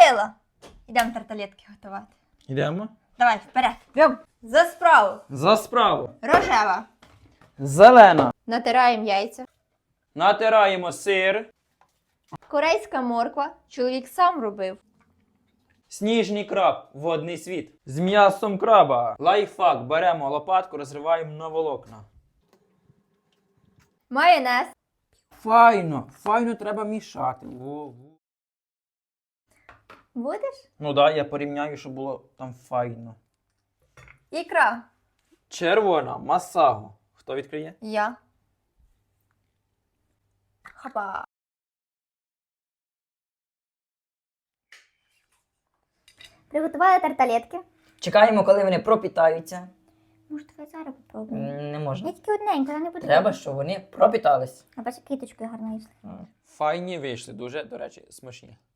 Гаврила! Йдемо тарталетки готувати. Йдемо. Давай, вперед. Бьом. За справу. За справу. Рожева. Зелена. Натираємо яйця. Натираємо сир. Корейська морква. Чоловік сам робив. Сніжний краб. Водний світ. З м'ясом краба. Лайфхак. Беремо лопатку, розриваємо на волокна. Майонез. Файно треба мішати. Будеш? Ну да, я порівняю, щоб було там файно. Ікра. Червона, масаго. Хто відкриє? Я. Хапа. Приготували тарталетки. Чекаємо, коли вони пропітаються. Може, давай зараз попробуємо. Не можна. Я тільки одненько, я не буду. Треба, щоб вони пропітались. А бачиш, квіточкою гарно йшли. Файні вийшли, дуже, до речі, смачні.